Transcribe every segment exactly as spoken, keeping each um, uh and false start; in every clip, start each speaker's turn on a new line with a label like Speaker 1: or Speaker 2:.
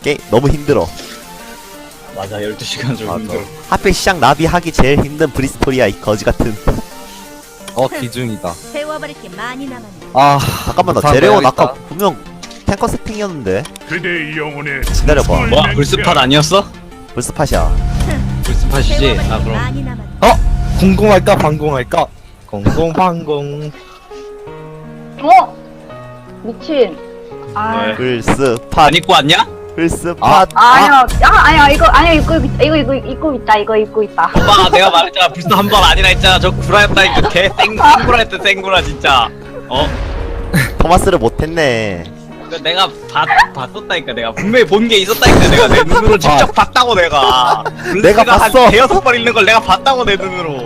Speaker 1: 게임 너무 힘들어.
Speaker 2: 맞아, 열두 시간 좀 힘들어.
Speaker 1: 하필 시작 나비 하기 제일 힘든 브리스톨이야 이 거지 같은.
Speaker 3: 어 기중이다.
Speaker 4: 배워버릴 게 많이 남았네.
Speaker 3: 아
Speaker 1: 잠깐만 나
Speaker 3: 못하면
Speaker 1: 제레온
Speaker 3: 해야겠다.
Speaker 1: 아까 분명 탱커 세팅이었는데.
Speaker 5: 그대의 영혼에
Speaker 1: 기다려봐.
Speaker 2: 뭐야, 불스팟 아니었어?
Speaker 1: 불스팟이야.
Speaker 2: 불스팟이지?
Speaker 4: 배워버릴
Speaker 2: 아,
Speaker 4: 게
Speaker 2: 그럼.
Speaker 4: 많이 남았네.
Speaker 3: 어 공공할까 방공할까? 공공방공.
Speaker 6: 어? 미친. 아,
Speaker 2: 네.
Speaker 1: 불스팟.
Speaker 2: 안 입고 왔냐?
Speaker 1: 불스팟.
Speaker 3: 아.
Speaker 6: 아니야, 아, 아니야, 이거, 아니야, 이거, 입- 이거, 이거, 입고 있다, 이거 입고 있다.
Speaker 2: 오빠, 내가 말했잖아. 불스 한 번 아니라 했잖아. 저 구라였다니까. 개 생, 생구라 했다, 생구라, 진짜. 어?
Speaker 1: 토마스를 못했네.
Speaker 2: 그 내가 봤, 봤었다니까. 내가 분명히 본 게 있었다니까. 내가 내 눈으로 직접 봤다고, 내가.
Speaker 1: 내가
Speaker 2: 불스가
Speaker 1: 봤어.
Speaker 2: 한 대여섯 번 읽는 걸 내가 봤다고, 내 눈으로.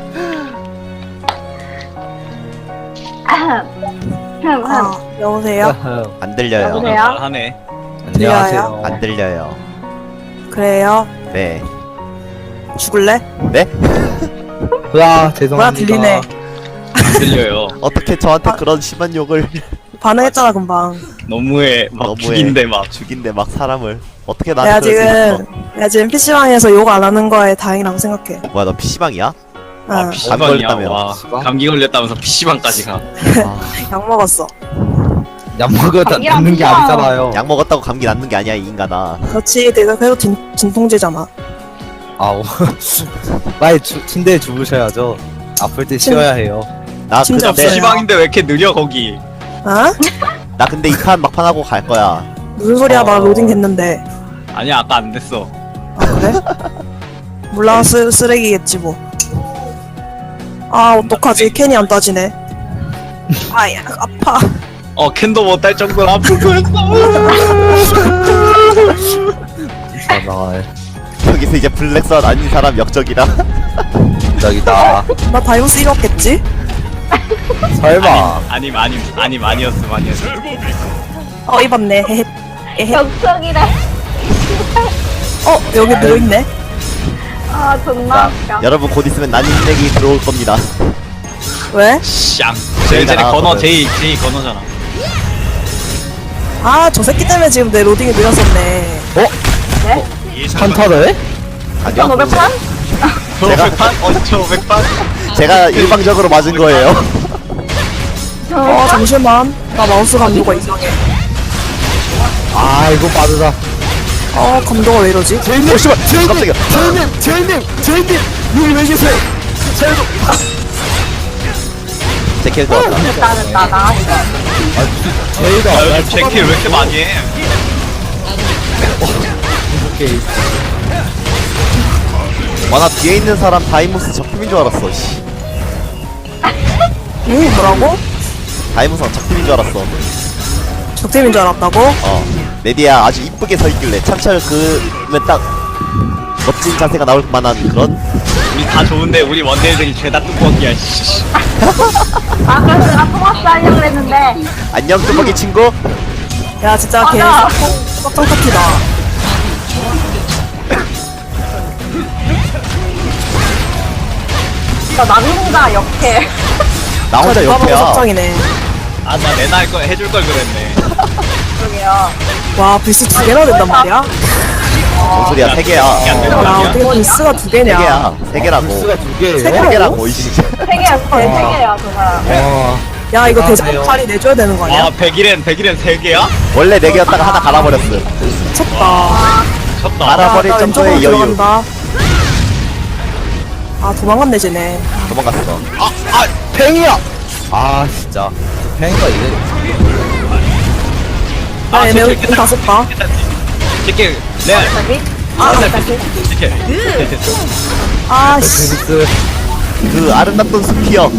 Speaker 6: 흠, 흠.
Speaker 7: 아, 여보세요?
Speaker 1: 안 들려요.
Speaker 6: 여보세요?
Speaker 2: 말하네.
Speaker 3: 안녕하세요.
Speaker 1: 안 들려요.
Speaker 7: 그래요?
Speaker 1: 네.
Speaker 7: 죽을래?
Speaker 1: 네?
Speaker 3: 와 죄송합니다.
Speaker 7: 뭐야 들리네.
Speaker 2: 안 들려요.
Speaker 1: 어떻게 저한테 그런 심한 욕을
Speaker 7: 반응했잖아 금방.
Speaker 2: 너무해. 막
Speaker 1: 너무해.
Speaker 2: 죽인데, 막.
Speaker 1: 죽인데 막 사람을 어떻게
Speaker 7: 내가
Speaker 1: 나한테 그럴 수
Speaker 7: 지금 내가 지금 피시방에서 욕 안 하는 거에 다행이라고 생각해.
Speaker 1: 있어. 뭐야 너 피시방이야?
Speaker 7: 어,
Speaker 2: 아,
Speaker 1: 감기
Speaker 2: 피시방이야.
Speaker 1: 걸렸다며.
Speaker 2: 와,
Speaker 3: 피시방?
Speaker 2: 감기 걸렸다면서 피시방까지 가.
Speaker 1: 아,
Speaker 7: 약 먹었어.
Speaker 3: 약 먹어도
Speaker 6: 감기랑
Speaker 3: 낫는 게
Speaker 6: 피시방.
Speaker 3: 아니잖아요.
Speaker 1: 약 먹었다고 감기 낫는 게 아니야 이 인간아.
Speaker 7: 그렇지, 내가 그래도 진, 진통제잖아.
Speaker 3: 아우 빨리 주, 침대에 주무셔야죠. 아플 때 쉬어야 해요.
Speaker 1: 나
Speaker 7: 진짜
Speaker 1: 근데
Speaker 7: 없어요.
Speaker 2: 피시방인데 왜 이렇게 느려, 거기?
Speaker 7: 어?
Speaker 1: 나 근데 이 판 막판 하고 갈 거야.
Speaker 7: 무슨 소리야?
Speaker 3: 어.
Speaker 7: 나 로딩 됐는데.
Speaker 2: 아니야, 아까 안 됐어.
Speaker 7: 아 그래? 몰라, 쓰, 쓰레기겠지 뭐. 아 어떡하지? 캔이 안 따지네. 아야 아파.
Speaker 2: 어, 캔도 못 딸 정도로 아픈 거였어.
Speaker 3: 전화
Speaker 1: 여기서 이제 블랙선 아닌 사람 역적이라.
Speaker 3: 저기다.
Speaker 7: 나 다이버스 잃었겠지?
Speaker 3: 설마.
Speaker 2: 아님, 아님, 아님, 아니었음, 아니었음.
Speaker 7: 어 입었네. 헤헤. 에헤.
Speaker 6: 격석이래.
Speaker 7: 어 여기 누워있네.
Speaker 6: 아, 존나 웃겨.
Speaker 1: 여러분 곧 있으면 난임 땡이 들어올 겁니다.
Speaker 7: 왜?
Speaker 2: 샹. 제일 전에
Speaker 1: 나왔거든.
Speaker 2: 건어, 제이, 제이 건어잖아.
Speaker 7: 아 저 새끼 때문에 지금 내 로딩이 느렸었네.
Speaker 3: 한타를?
Speaker 1: 아니요.
Speaker 6: 천오백 판?
Speaker 1: 제가-
Speaker 2: 오백 판? 어, 저 오백 판?
Speaker 1: 제가 일방적으로 맞은 거예요.
Speaker 7: 어 잠시만. 나 마우스 감도가 이상해.
Speaker 3: 아 이거 빠르다.
Speaker 7: 어 감도가 왜 이러지?
Speaker 3: 제이님, 제이님,
Speaker 1: 깜짝이야.
Speaker 3: 제이님, 제이님, 제이님, 여기 왜 계세요?
Speaker 1: 제 캐릭터 왔다.
Speaker 6: 됐다, 됐다, 나왔어.
Speaker 3: 제이가
Speaker 2: 야, 요즘 제킬 왜 이렇게 많이 해?
Speaker 3: 오케이.
Speaker 1: 와나 뒤에 있는 사람 다이모스 적팀인 줄 알았어. 씨.
Speaker 7: 응 뭐라고?
Speaker 1: 다이모스랑 적팀인 줄 알았어.
Speaker 7: 적팀인 줄 알았다고?
Speaker 1: 어. 레디야 아주 이쁘게 서 있길래 참철 그면 딱 멋진 자세가 나올 만한 그런.
Speaker 2: 우리 다 좋은데 우리 원딜들이 죄다 뚜벅이야, 씨.
Speaker 6: 아, 그래서 내가 토마스 하려고 그랬는데.
Speaker 1: 안녕 뚜벅이 친구.
Speaker 7: 야 진짜 걔
Speaker 6: 맞아.
Speaker 7: 썩정 파티다.
Speaker 6: 나 남hun자 역해.
Speaker 1: 나 혼자
Speaker 7: 누가 봐도
Speaker 1: 옆에야.
Speaker 7: 썩정이네.
Speaker 2: 아, 나 내나 할 거, 해줄 걸 그랬네.
Speaker 6: 그러게요.
Speaker 7: 와 빌스 두 개나 된단 말이야?
Speaker 1: 뭔 소리야 세 개야.
Speaker 2: 이게 안
Speaker 1: 어,
Speaker 2: 된단
Speaker 7: 야
Speaker 2: 말이야.
Speaker 7: 어떻게 빌스가 두
Speaker 1: 세
Speaker 7: 개냐?
Speaker 1: 개야. 세 개라고.
Speaker 3: 수가 두
Speaker 7: 세
Speaker 3: 개예요.
Speaker 1: 세
Speaker 7: 개라고?
Speaker 1: 개라고 이 씨.
Speaker 6: 세 개야, 세 개야, 저 사람.
Speaker 3: 와.
Speaker 7: 야 이거
Speaker 3: 안녕하세요.
Speaker 7: 대장 팔이 내줘야 되는 거 아니야?
Speaker 2: 아, 백일엔, 백일엔 세 개야?
Speaker 1: 원래 네 개였다가 하나 갈아버렸어.
Speaker 7: 미쳤다.
Speaker 2: 쳤다.
Speaker 1: 알아.
Speaker 7: 야,
Speaker 1: 버릴
Speaker 7: 나
Speaker 1: 정도의
Speaker 7: 왼쪽으로
Speaker 1: 여유.
Speaker 7: 들어간다. 아 도망갔네 쟤네.
Speaker 1: 도망갔어.
Speaker 3: 아, 아, 팽이야. 아 진짜. 팽이가 이래.
Speaker 7: 아 얘네
Speaker 2: 제킬
Speaker 7: 운
Speaker 2: 깼다.
Speaker 7: 다섯 봐.
Speaker 2: 제킬, 네.
Speaker 6: 갑자기?
Speaker 7: 아
Speaker 2: 제킬. 제킬 됐어.
Speaker 7: 아씨.
Speaker 3: 베니스.
Speaker 1: 그 아름답던 스피어.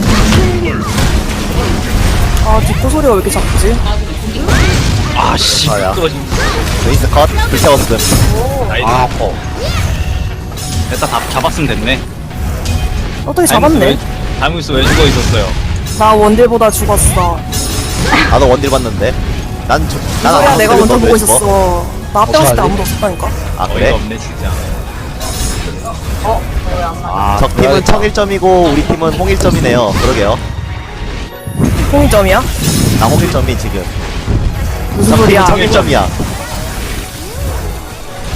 Speaker 7: 아 뒷구 소리가 왜 이렇게 작지?
Speaker 2: 아, 씨.
Speaker 1: 아야.
Speaker 2: 떨어진.
Speaker 1: 베이스 컷. 불태웠음.
Speaker 2: 나이스.
Speaker 3: 아 아파.
Speaker 2: 됐다, 다 잡았으면 됐네.
Speaker 7: 어떻게 잡았네?
Speaker 2: 다이무스 왜 죽어 있었어요?
Speaker 7: 나 원딜보다 죽었어.
Speaker 1: 나도 원딜 봤는데. 난 저, 난
Speaker 7: 소리야
Speaker 1: 안
Speaker 7: 내가
Speaker 1: 봤는데
Speaker 7: 먼저
Speaker 1: 넌왜
Speaker 7: 보고
Speaker 1: 죽어?
Speaker 7: 있었어. 나 앞에 왔을 때
Speaker 3: 어떡하지?
Speaker 7: 아무도 없었다니까.
Speaker 1: 아
Speaker 2: 어이가
Speaker 1: 그래?
Speaker 2: 없네, 진짜.
Speaker 6: 어, 뭐야, 안 나.
Speaker 3: 아,
Speaker 1: 적 팀은
Speaker 3: 그래야겠다.
Speaker 1: 청 일 점이고 우리 팀은 홍 일 점이네요. 그러게요.
Speaker 7: 홍점이야?
Speaker 1: 나 홍 일 점이 지금.
Speaker 7: 무슨 소리야?
Speaker 1: 청 일 점이야.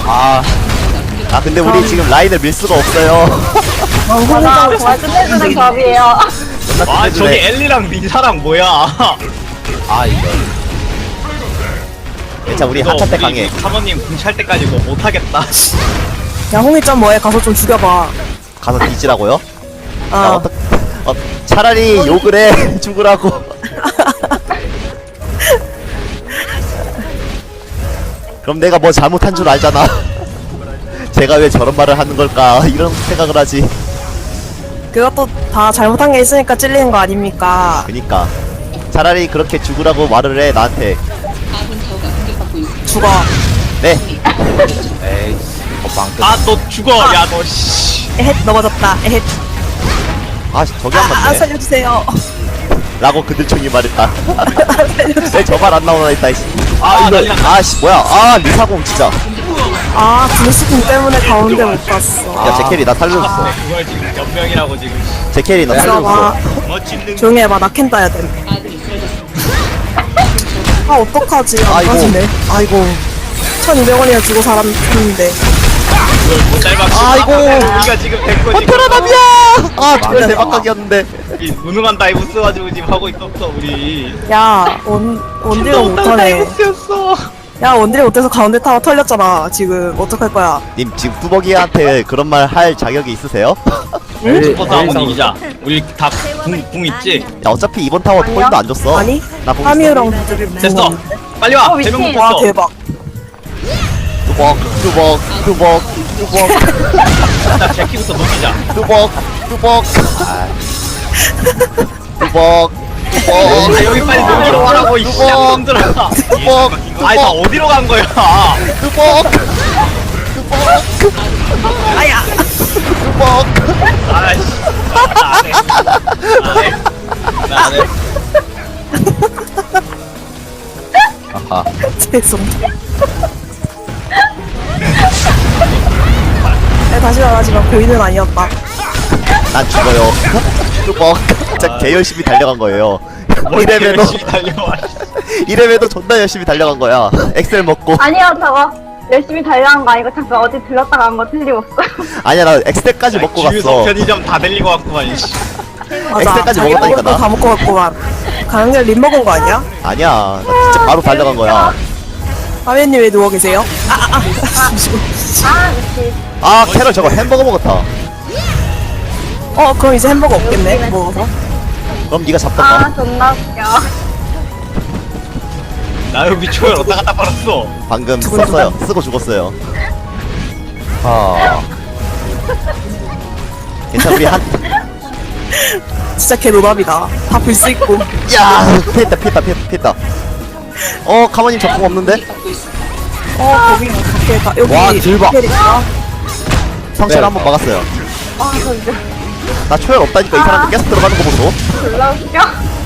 Speaker 3: 아,
Speaker 1: 아 근데 우리 지금 라인을 밀 수가 없어요.
Speaker 6: 맞아, 정말 끝내주는 조합이에요.
Speaker 2: 아 저기 엘리랑 리사랑 뭐야?
Speaker 3: 아 이거.
Speaker 1: 괜찮아 우리
Speaker 2: 이거
Speaker 1: 한차 때
Speaker 2: 우리
Speaker 1: 강해.
Speaker 2: 사모님 궁찰 때까지 뭐 못하겠다.
Speaker 7: 야 홍이짱 뭐해? 가서 좀 죽여봐.
Speaker 1: 가서 뒤지라고요? 야
Speaker 7: 아
Speaker 1: 어떡 어, 차라리 욕을 해 죽으라고. 그럼 내가 뭐 잘못한 줄 알잖아. 제가 왜 저런 말을 하는 걸까 이런 생각을 하지.
Speaker 7: 그것도 다 잘못한 게 있으니까 찔리는 거 아닙니까?
Speaker 1: 그니까 차라리 그렇게 죽으라고 말을 해 나한테.
Speaker 7: 죽어.
Speaker 1: 네.
Speaker 3: 에이, 거방 끝.
Speaker 2: 아 너 죽어. 야 너 씨.
Speaker 7: 에헷 넘어졌다. 에헷.
Speaker 1: 아 저기 한
Speaker 7: 아, 아
Speaker 1: 맞네.
Speaker 7: 살려주세요.
Speaker 1: 라고 그들총이 말했다. 왜 저 말 안 나오나 했다 이씨.
Speaker 2: 아,
Speaker 1: 아
Speaker 2: 난리
Speaker 1: 이거
Speaker 2: 났다.
Speaker 1: 아씨 뭐야 아 리사공 진짜.
Speaker 7: 아 블루스킨 때문에 가운데 못 갔어.
Speaker 1: 야 제캐리 나 살려줬어.
Speaker 2: 아, 그걸 지금 몇 명이라고 지금.
Speaker 1: 제캐리 나
Speaker 7: 들어봐.
Speaker 1: 살려줬어.
Speaker 2: 뭐 짓는.
Speaker 7: 조용히 해봐. 나 캔 따야 돼. 아 어떡하지? 안
Speaker 1: 아이고.
Speaker 7: 빠지네. 아이고. 천이백 원이나 주고 살았는데.
Speaker 2: 그걸 못 닮았고.
Speaker 1: 아이고.
Speaker 2: 우리가 지금 된 거지.
Speaker 1: 버텨라남이야. 아 정말 대박각이었는데.
Speaker 2: 이 무능한 다이브 써가지고 지금 하고 있었어 우리.
Speaker 7: 야 원, 원딜을 못하네.
Speaker 2: 다이브스였어.
Speaker 7: 야 원딜이 못해서 가운데 타워 털렸잖아. 지금 어떡할 거야?
Speaker 1: 님 지금 뚜벅이한테 그런 말 할 자격이 있으세요?
Speaker 3: 에이,
Speaker 2: 포터 한번
Speaker 3: 에이,
Speaker 2: 이기자. 우리 다궁궁 있지?
Speaker 1: 야 어차피 이번 타워
Speaker 6: 아니요.
Speaker 1: 포인도 안 줬어.
Speaker 7: 아니?
Speaker 1: 나공
Speaker 7: 파미우랑 두드리
Speaker 2: 됐어. 빨리 와.
Speaker 6: 어,
Speaker 2: 대명
Speaker 6: 미친.
Speaker 7: 와
Speaker 2: 붙었어.
Speaker 7: 대박.
Speaker 1: 뚜벅 뚜벅 뚜벅 뚜벅
Speaker 2: 자 제키부터 녹이자.
Speaker 1: 뚜벅 뚜벅 뚜벅
Speaker 2: 아
Speaker 1: 뚜벅
Speaker 2: 여기 빨리 녹이러 와라고 이 쌍놈들아.
Speaker 1: 뚜벅
Speaker 2: 아니 다 어디로 간 거야?
Speaker 1: 뚜벅 뚜벅
Speaker 7: 아야.
Speaker 1: 뚜벅
Speaker 2: 아이씨. 나안해. 나안해. 나안해.
Speaker 3: 아하.
Speaker 7: 죄송. 야, 다시 말하지만 고인은 아니었다.
Speaker 1: 난 죽어요. 뚜벅 진짜 개 열심히 달려간 거예요. 이래봬도
Speaker 2: 열심히 달려와.
Speaker 1: 이래봬도 존나 열심히 달려간 거야. 엑셀 먹고
Speaker 6: 아니요, 저거. 열심히 달려간 거 아니고 잠깐 어디 들렀다 간 거 틀림없어.
Speaker 1: 아니야 나 엑셀까지 먹고
Speaker 2: 주유소
Speaker 1: 갔어.
Speaker 2: 편의점 다 들리고 왔구만 이씨.
Speaker 1: 엑셀까지
Speaker 7: 자기
Speaker 1: 먹었다니까,
Speaker 7: 먹을
Speaker 1: 나.
Speaker 7: 거다 먹고 갔구만. 가는 길 림 먹은 거 아니야?
Speaker 1: 아니야 나 진짜 바로 달려간 거야.
Speaker 7: 하면님 왜 누워 계세요? 아, 아, 아. 잠시만.
Speaker 6: 아, 미치.
Speaker 1: 아 캐럴 저거 햄버거 먹었다.
Speaker 7: 어, 그럼 이제 햄버거 없겠네. 먹어서.
Speaker 1: 그럼 네가 잡던가.
Speaker 6: 아, 존나 웃겨.
Speaker 2: 나 여기 초열 어디다 갖다 버렸어.
Speaker 1: 방금 썼어요. 쓰고 죽었어요.
Speaker 3: 아,
Speaker 1: 괜찮아 우리 한.
Speaker 7: 진짜 개 노답이다. 다 불 수 있고.
Speaker 1: 야 피했다 피했다 피했다 피했다. 어 카모님 적공 없는데?
Speaker 7: 어, 거기 밖에 가. 여기.
Speaker 3: 와, 대박.
Speaker 7: 캐릭터.
Speaker 1: 성체를
Speaker 3: 네.
Speaker 1: 한번 막았어요.
Speaker 6: 아, 진짜.
Speaker 1: 나 초열 없다니까 이 사람들 계속 들어가는 거 보소.
Speaker 6: 졸라 웃겨.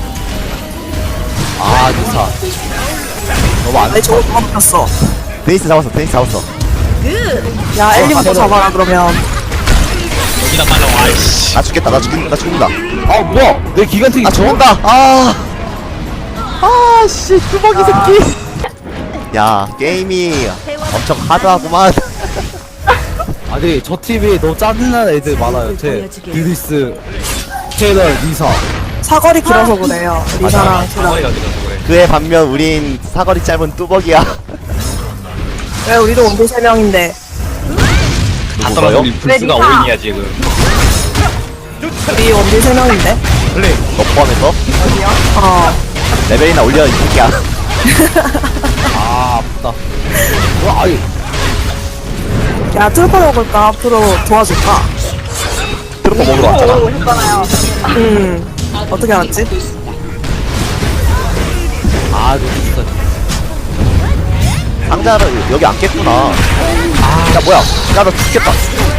Speaker 3: 아, 리사. 너무 안
Speaker 7: 아니, 저거 누가 붙였어.
Speaker 1: 데니스 잡았어 데니스 잡았어.
Speaker 7: 야, 엘리부터 잡아라, 그러면.
Speaker 2: 여기다 빨리 와 이씨.
Speaker 1: 나 죽겠다 나 죽는다 나 죽는다.
Speaker 3: 아, 뭐야? 내 기간택이
Speaker 1: 나 죽는다. 아. 아씨 뚜벅이 새끼. 야 게임이 엄청 하드하구만.
Speaker 3: 아니, 저 팀에 너무 짜증나는 애들 많아요. 제 드리스, 테러, 리사.
Speaker 7: 사거리 길어서 그래요. 리사랑 제랑.
Speaker 2: 사거리가 길어서 그래.
Speaker 1: 그에 반면 우린 사거리 짧은 뚜벅이야.
Speaker 7: 왜 우리도 원딜 세 명인데.
Speaker 2: 다
Speaker 1: 누구가요?
Speaker 2: 떨어져 우리 불스가
Speaker 6: 왜 리사?
Speaker 2: 오인이야 지금.
Speaker 7: 우리 원딜 세 명인데.
Speaker 2: 플레이.
Speaker 1: 너 포함해서
Speaker 7: 어.
Speaker 1: 레벨이나 올려 이 새끼야.
Speaker 3: 아, 아프다. 와, 아이.
Speaker 7: 야, 트루퍼 먹을까? 앞으로 도와줄까?
Speaker 1: 트루퍼 먹으러 왔잖아.
Speaker 6: 오, 오셨잖아요.
Speaker 7: 음. 어떻게 알았지?
Speaker 3: 아, 진짜.
Speaker 1: 상자를 여기 안 깼구나. 아, 야 뭐야? 야 너 죽겠다.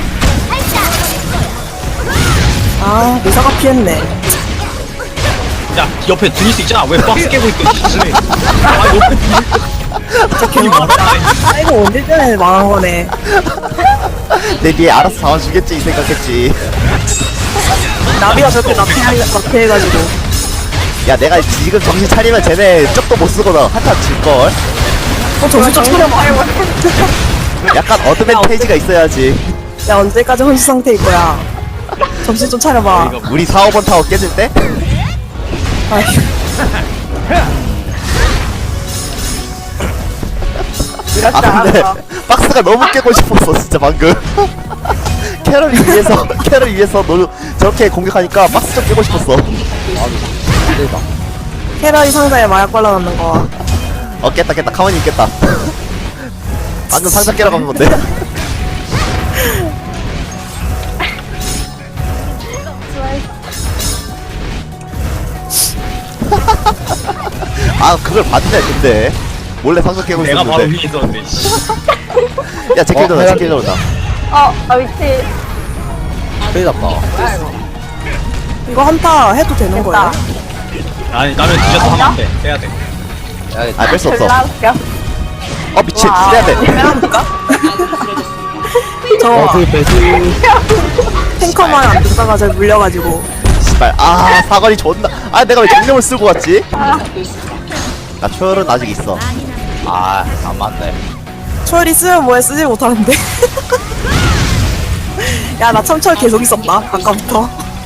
Speaker 7: 아, 리사가 피했네.
Speaker 2: 야 옆에 드니스 있잖아. 왜 박스 깨고 있어? 플레이. 아 옆에 드니스. 이 뭐라?
Speaker 7: 아, 이거 원딜 때문에 망한 거네.
Speaker 1: 내 뒤에 알아서 잡아주겠지 이 생각했지.
Speaker 7: 나비가 저렇게 나피해가지고.
Speaker 1: 야 내가 지금 정신 차리면 쟤네 쪽도 못 쓰거든. 한타 질걸.
Speaker 7: 어, 정신 좀 차려봐.
Speaker 1: 약간 어드밴테이지가 있어야지.
Speaker 7: 야 언제까지 혼수 상태일 거야. 정신 좀 차려봐.
Speaker 1: 우리 사, 오 번 타워 깨질 때?
Speaker 7: 아휴.
Speaker 1: 아 근데 박스가 너무 깨고 싶었어 진짜 방금. 캐럴 위해서 캐럴 위해서 너 저렇게 공격하니까 박스 좀 깨고 싶었어.
Speaker 3: 기대다.
Speaker 7: 캐러이 상자에 마약 발라놓는 거.
Speaker 1: 어 깼다 깼다 가만히 있겠다. 방금 상자 깨러 간 건데. 아 그걸 봤네 근데 몰래 상자 깨고
Speaker 2: 내가 바로
Speaker 1: 있었는데.
Speaker 2: 위에 있었는데 씨.
Speaker 1: 야 제킬
Speaker 3: 어,
Speaker 1: 들어온다
Speaker 3: 해야
Speaker 1: 제킬 들어온다.
Speaker 6: 어, 아, 미치.
Speaker 3: 큰일 났다.
Speaker 7: 이거 한타 해도 되는 거야?
Speaker 2: 아니 나는 뒤져서 하면 안돼 빼야 돼.
Speaker 3: 야겠다.
Speaker 1: 아 뺄 수 없어.
Speaker 6: 졸라 웃겨.
Speaker 1: 어 미친
Speaker 6: 와.
Speaker 1: 빼야 돼.
Speaker 7: 저
Speaker 3: 어, 그 배수.
Speaker 7: 탱커만 안 듣다가 저 물려가지고.
Speaker 1: 씨발 아 사거리 존나. 아 내가 왜 정령을 쓰고 왔지? 나 초열은 아직 있어.
Speaker 3: 아, 안 맞네.
Speaker 7: 초열이 쓰면 뭐해 쓰지 못하는데. 야 나 참철 계속 있었다 아까부터.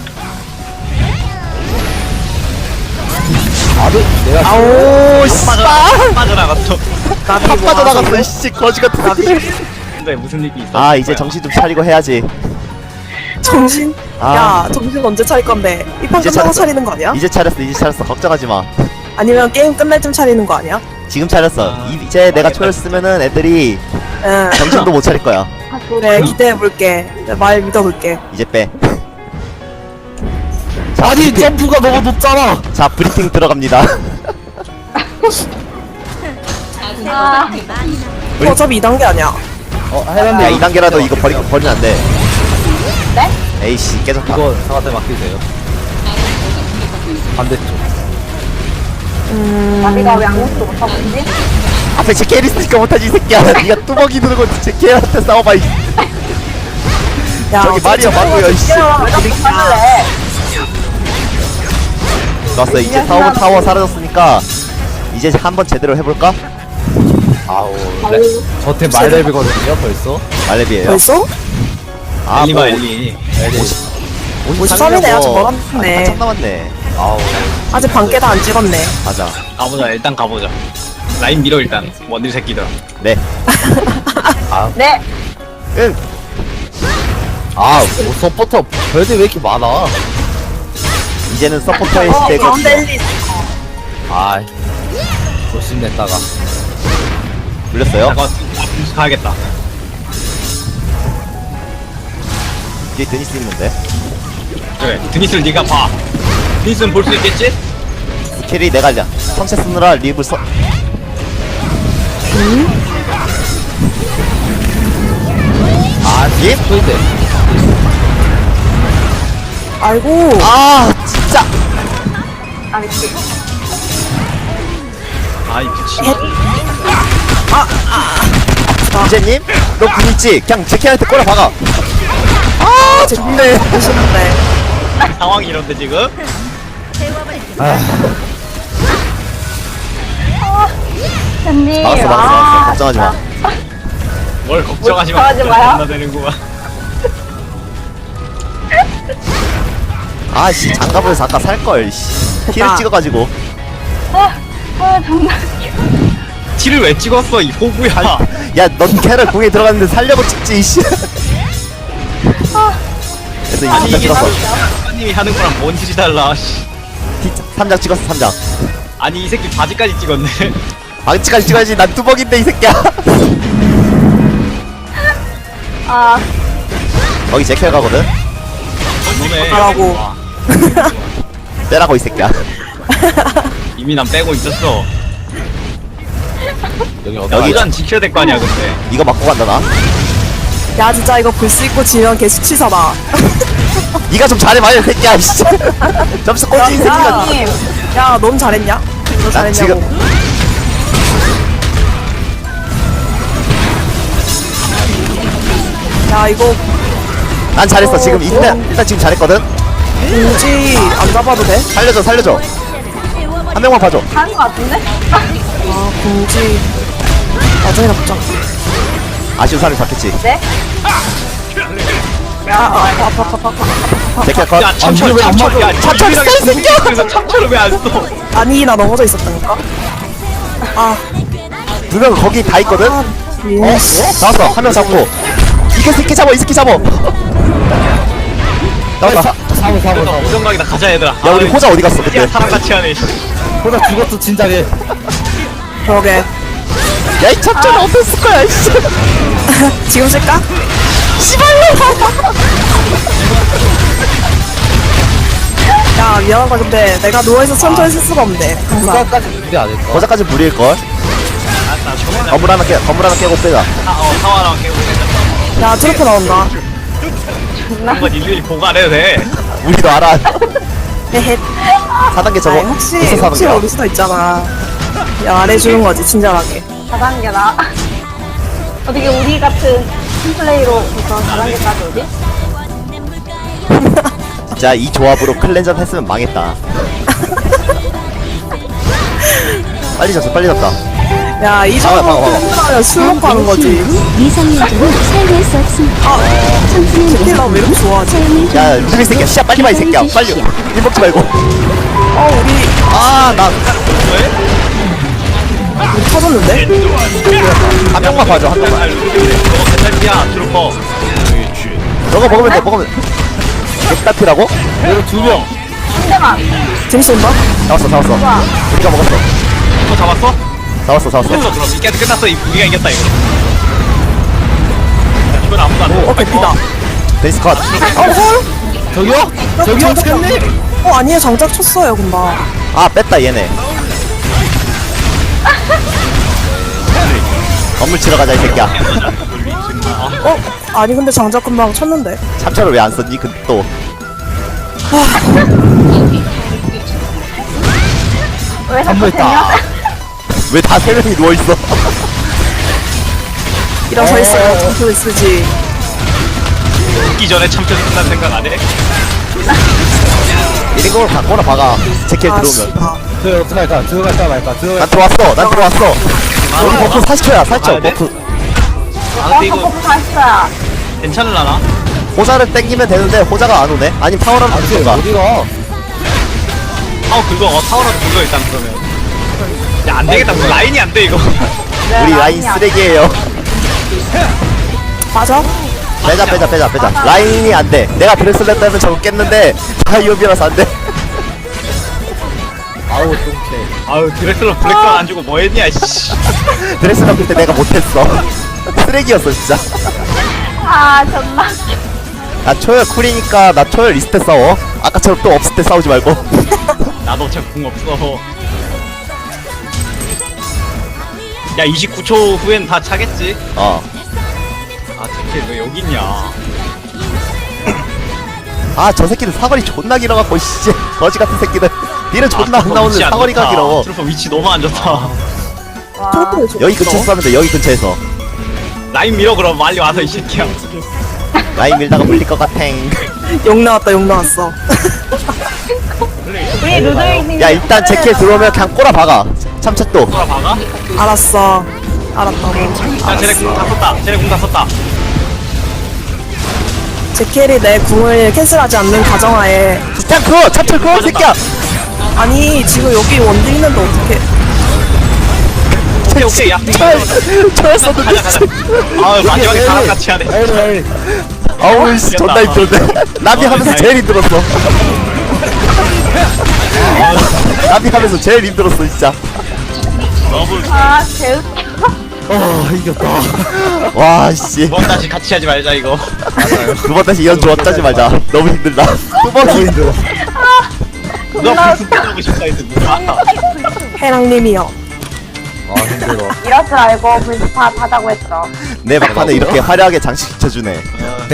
Speaker 3: 아들, 내가.
Speaker 1: 아오 씨발
Speaker 2: 빠져나갔어.
Speaker 7: 나비
Speaker 1: 다
Speaker 7: 뭐
Speaker 1: 빠져나갔어
Speaker 7: 하세요?
Speaker 1: 씨 거지 같은 새끼.
Speaker 2: 근데 무슨 일이 있어?
Speaker 1: 아 이제 정신 좀 차리고 해야지.
Speaker 7: 정신?
Speaker 1: 아.
Speaker 7: 야 정신 언제 차릴 건데? 이 판
Speaker 1: 이제
Speaker 7: 끝나고
Speaker 1: 차렸어.
Speaker 7: 차리는 거 아니야?
Speaker 1: 이제 차렸어 이제 차렸어 걱정하지 마.
Speaker 7: 아니면 게임 끝날 쯤 차리는 거 아니야?
Speaker 1: 지금 차렸어.
Speaker 2: 아.
Speaker 1: 이- 이제 내가 초열 쓰면은 애들이
Speaker 7: 응.
Speaker 1: 정신도 못 차릴 거야.
Speaker 6: 아,
Speaker 7: 그래 기대해볼게. 내가 말 믿어볼게.
Speaker 1: 이제 빼. 자,
Speaker 3: 아니,
Speaker 1: 브리핑.
Speaker 3: 점프가 너무 높잖아.
Speaker 1: 자 브리핑 들어갑니다.
Speaker 6: 아,
Speaker 7: 이거 어차피 이 단계 아니야.
Speaker 3: 어, 해란데.
Speaker 1: 야 이 단계라도 이거 버리 버리면 안 돼.
Speaker 6: 네?
Speaker 1: 에이씨 깨졌다.
Speaker 3: 이거 사과대 맡기세요. 반대쪽.
Speaker 6: 나비가 왜 아무것도 못하고 있지?
Speaker 1: 앞에 제 캐리 쓰니까 못하지 이 새끼야. 네가 뚜벅이 들고 제 캐한테 싸워봐. 이.
Speaker 7: 야
Speaker 1: 저기 마리아 마루야 이씨.
Speaker 6: 그럼 왜 자꾸 하길래?
Speaker 1: 좋았어 이제 타워 타워 사라졌으니까 이제 한번 제대로 해볼까?
Speaker 3: 아우, 레, 저템 말렙이거든요, 벌써.
Speaker 1: 말레비에요.
Speaker 7: 벌써?
Speaker 1: 아,
Speaker 2: 엘리마
Speaker 1: 뭐,
Speaker 2: 엘리.
Speaker 3: 엘리.
Speaker 7: 오십삼 이네 아직
Speaker 1: 아,
Speaker 7: 멀었네.
Speaker 1: 한참 남았네.
Speaker 3: 아우.
Speaker 7: 아직 반개도 안 찍었네.
Speaker 1: 맞아.
Speaker 2: 가보자 일단 가보자. 라인 밀어 일단 원딜 새끼들.
Speaker 1: 네.
Speaker 6: 네.
Speaker 1: 응.
Speaker 3: 아, 뭐, 서포터 별들 왜 이렇게 많아?
Speaker 1: 이제는 서포터의
Speaker 7: 어
Speaker 1: 시대가
Speaker 7: 가운데 엘리.
Speaker 3: 아, 조심냈다가.
Speaker 1: 물렸어요.
Speaker 2: 잠깐 가야겠다.
Speaker 1: 뒤에 드니스 있는데.
Speaker 2: 그래 드니스를 네가 봐. 드니스는 볼 수 있겠지?
Speaker 1: 캐리 내가 알려. 성체 쓰느라 립을 써.
Speaker 3: 아,
Speaker 1: 립?
Speaker 3: 근데.
Speaker 7: 아이고.
Speaker 1: 아 진짜.
Speaker 6: 아, 미치.
Speaker 2: 아이 미친.
Speaker 1: 이제님, 너 군 있지? 그냥 제키한테 꼬라 박아. 아 좋네.
Speaker 7: 보시는데.
Speaker 2: 상황이 이런데 지금?
Speaker 6: 언니.
Speaker 1: 막았어 막았어 막았어. 걱정하지 마.
Speaker 2: 뭘 걱정하지 마.
Speaker 6: 걱정하지 마요.
Speaker 2: 겁나 되는구만.
Speaker 1: 아씨 장갑에서 아까 살 걸. 씨. 키를
Speaker 7: 됐다.
Speaker 1: 찍어가지고.
Speaker 6: 아, 아, 정말.
Speaker 2: 티를 왜 찍었어 이 호구야.
Speaker 1: 야넌 캐럴 공에 들어갔는데 살려고 찍지 이씨. 그래서
Speaker 2: 아니
Speaker 1: 이삼장
Speaker 2: 이게
Speaker 1: 찍었어.
Speaker 2: 사장님이 하는 거랑 뭔 질이 달라. 씨.
Speaker 1: 삼장 찍었어 삼장.
Speaker 2: 아니 이 새끼 바지까지 찍었네.
Speaker 1: 방치까지 찍어야지. 난 뚜벅인데 이 새끼야.
Speaker 6: 아,
Speaker 1: 거기 제캐 가거든.
Speaker 2: 너네.
Speaker 7: 가라고.
Speaker 2: 와,
Speaker 1: 빼라고 이 새끼야.
Speaker 2: 이미 난 빼고 있었어.
Speaker 3: 여기 어디?
Speaker 1: 여기-
Speaker 2: 여기란 지켜야 될 거 아니야 근데.
Speaker 1: 이거 맞고 간다 나.
Speaker 7: 야 진짜 이거 볼 수 있고 지면 개 수치사다.
Speaker 1: 니가 좀 잘해봐요 이 새끼야. 씨. 점수 꼴찌 이 새끼가.
Speaker 6: 님.
Speaker 7: 야 넌 잘했냐? 너
Speaker 1: 난
Speaker 7: 잘했냐고.
Speaker 1: 지금
Speaker 7: 야 이거
Speaker 1: 난 잘했어. 지금 일단 일단 지금 잘했거든.
Speaker 7: 공지 안 잡아도 돼?
Speaker 1: 살려줘 살려줘. 한 명만 봐줘.
Speaker 6: 하는 거 같은데?
Speaker 7: 아 공지 나중에 잡자.
Speaker 1: 아쉬운 사람이 잡겠지.
Speaker 6: 네?
Speaker 1: 제키야 컷.
Speaker 2: 야 참철 참철 야
Speaker 1: 참철 있어, 이 새끼야!
Speaker 2: 그래서 참철을 왜 안 써?
Speaker 7: 아니 나 넘어져 있었다니까. 아,
Speaker 1: 두 명 거기 다 있거든. 어?
Speaker 7: 예.
Speaker 1: 나왔어. 한 명 잡고. 이거 새끼 잡아. 이 새끼 잡아. 나왔다.
Speaker 3: 사고 사고 사고.
Speaker 2: 우정각이다 가자 얘들아.
Speaker 1: 야 우리 호자 어디 갔어 그때?
Speaker 2: 야 사람같이 하네.
Speaker 3: 보다 죽었어 진작에.
Speaker 7: 그러게.
Speaker 1: 야이 참전은 어땠을 거야 이씨.
Speaker 7: 지금 쓸까? 야 미안하다 근데 내가 누워있어 천천히 쓸 수가 없네 항상.
Speaker 3: 그까까지 준비 안 했어.
Speaker 1: 거자까지 무리일걸.
Speaker 2: 알았다. 저번에
Speaker 1: 건물 하나 깨 건물 하나 깨고 빼자.
Speaker 2: 어 사와랑 깨고 있는데
Speaker 7: 야 트로프 나온다.
Speaker 2: 한번 일일이 보고 안 해도 돼.
Speaker 1: 우리도 알아.
Speaker 7: 헤헤.
Speaker 1: 사 단계 저거
Speaker 7: 아니, 혹시
Speaker 1: 있어 사는
Speaker 7: 혹시
Speaker 1: 거야.
Speaker 7: 모를 수도 있잖아. 야 말해주는 거지 친절하게.
Speaker 6: 사 단계나. 어떻게 우리 같은 팀플레이로부터 사 단계까지 오지?
Speaker 1: 진짜 이 조합으로 클렌전 했으면 망했다. 빨리 잡자 빨리 잡자.
Speaker 7: 야이
Speaker 1: 봐봐, 봐봐, 봐봐.
Speaker 7: 정도면 술 먹고 하는 거지.
Speaker 4: 미성년자는 살고 수 없습니다. 청소년은
Speaker 7: 킬러 왜 이렇게 좋아하지?
Speaker 4: 삶을
Speaker 1: 야 루비 새끼야 시야 빨리 봐 이 새끼야 빨리. 일 먹지 말고.
Speaker 7: 어 우리
Speaker 1: 아나
Speaker 7: 우리 터졌는데?
Speaker 1: 한 명만 봐줘 한 명만.
Speaker 2: 너가 개탈피야 트루퍼.
Speaker 1: 너가 먹으면 돼 먹으면. 엑다피라고?
Speaker 3: 내가 두 명.
Speaker 6: 상대방.
Speaker 7: 재밌었나?
Speaker 1: 잡았어 잡았어. 우리가 먹었어.
Speaker 2: 너 잡았어?
Speaker 1: 잡았어 잡았어.
Speaker 2: 됐어 그럼 이게 끝났어. 이- 우리가 이겼다 이거. 야, 이건 아무도 안 돼.
Speaker 7: 어 개피다.
Speaker 1: 베이스 컷.
Speaker 7: 어 헐?
Speaker 3: 저기요? 저기요 찾네.
Speaker 7: 어 아니에요 장작 쳤어요 금방.
Speaker 1: 아 뺐다 얘네. 건물 치러 가자 이 새끼야.
Speaker 7: 어? 아니 근데 장작 금방 쳤는데.
Speaker 1: 참차를 왜 안 썼니? 그 또.
Speaker 6: 왜 자꾸
Speaker 3: 한번
Speaker 6: 되냐?
Speaker 3: 있다.
Speaker 1: 왜 다 세 명이 누워 있어?
Speaker 7: 일어서 있어요. 장소 있으지.
Speaker 2: 죽기 전에 참철 끝난 생각 안 해?
Speaker 1: 이런 걸 갖거나 박아. 제킬
Speaker 7: 아
Speaker 1: 들어오면.
Speaker 7: 씨발.
Speaker 3: 저 어떡할까? 들어갈까 말까? 들어갈.
Speaker 1: 난 들어왔어. 난 들어왔어. 우리 버프 사십 초야. 사십 초.
Speaker 2: 가야 돼?
Speaker 1: 버프.
Speaker 2: 아
Speaker 6: 어,
Speaker 2: 근데 이거
Speaker 6: 버프 다했어야.
Speaker 2: 괜찮을라나?
Speaker 1: 호자를 땡기면 되는데 호자가 안 오네. 아니 파워라도
Speaker 3: 아니
Speaker 1: 던가.
Speaker 3: 어디가?
Speaker 2: 타워 긁어. 어, 타워라도 긁어 일단 그러면. 야 안 되겠다. 우리 라인이 안 돼 이거.
Speaker 1: 우리 라인 쓰레기예요.
Speaker 7: 맞아?
Speaker 1: 빼자 빼자 빼자 빼자. 라인이 안 돼. 내가 브레슬렛 때문에 저거 깼는데 다이오비라서 안 돼.
Speaker 3: 아우 똥채.
Speaker 2: 아유 드레슬러 블랙도 안 주고 뭐 했냐 씨.
Speaker 1: 브레슬렛 그때 내가 못했어. 쓰레기였어 진짜.
Speaker 6: 아, 존나.
Speaker 1: 나 초열 쿨이니까 나 초열 리스트 싸워. 아까처럼 또 없을 때 싸우지 말고.
Speaker 2: 나도 어차피 궁 없어. 야 이십구 초 후엔 다 차겠지?
Speaker 1: 어.
Speaker 2: 아 제킬 왜 여기 있냐?
Speaker 1: 아 저 새끼들 사거리 존나 길어갖고 씨 거지 같은 새끼들. 니는 존나 안 나오는 사거리가 길어.
Speaker 2: 트루퍼 위치 너무 안 좋다.
Speaker 6: 와.
Speaker 7: 트로프를 줘.
Speaker 1: 여기 근처에서 싸면 돼. 여기 근처에서.
Speaker 2: 라인 밀어 그럼 빨리 와서 이 새끼야.
Speaker 1: 라인 밀다가 물릴 것 같아.
Speaker 7: 욕 나왔다 욕 나왔어.
Speaker 6: 우리 루드윙님.
Speaker 1: 야 일단 제킬 들어오면 그냥 꼬라 박아. 참차 또.
Speaker 2: 돌아 박아?
Speaker 7: 알았어. 알았다고.
Speaker 2: 야 쟤네 궁 다 썼다. 쟤네 궁 다 썼다.
Speaker 7: 제켈이 내 궁을 캔슬하지 않는 가정하에.
Speaker 1: 그냥 그거 참차 그거 새끼야.
Speaker 7: 아니 지금 여기 원딜 있는데 어떡해.
Speaker 2: 오케이 오케이 야.
Speaker 1: 초열 썼는데.
Speaker 2: 가자 가자. 아 마지막에 사람 같이 하네.
Speaker 3: 에이 에이.
Speaker 1: 아우 씨 존나 힘들대. 나비 하면서 제일 힘들었어. 나비 하면서 제일 힘들었어 진짜.
Speaker 2: 너무
Speaker 6: 아, 개웃겨.
Speaker 3: 아 이겼다.
Speaker 1: 와 씨.
Speaker 2: 두번 다시 같이 하지 말자 이거.
Speaker 1: 두 번 다시 이런 조합 짜지 말자. 너무 힘들다. 두 번 힘들어.
Speaker 2: 누가 불스 하고 싶다 했어 누가.
Speaker 7: 해랑님이요.
Speaker 3: 아 힘들어.
Speaker 6: 이럴 줄 알고 불스파 하자고 했어.
Speaker 1: 내 막판에 이렇게 화려하게 장식시켜주네.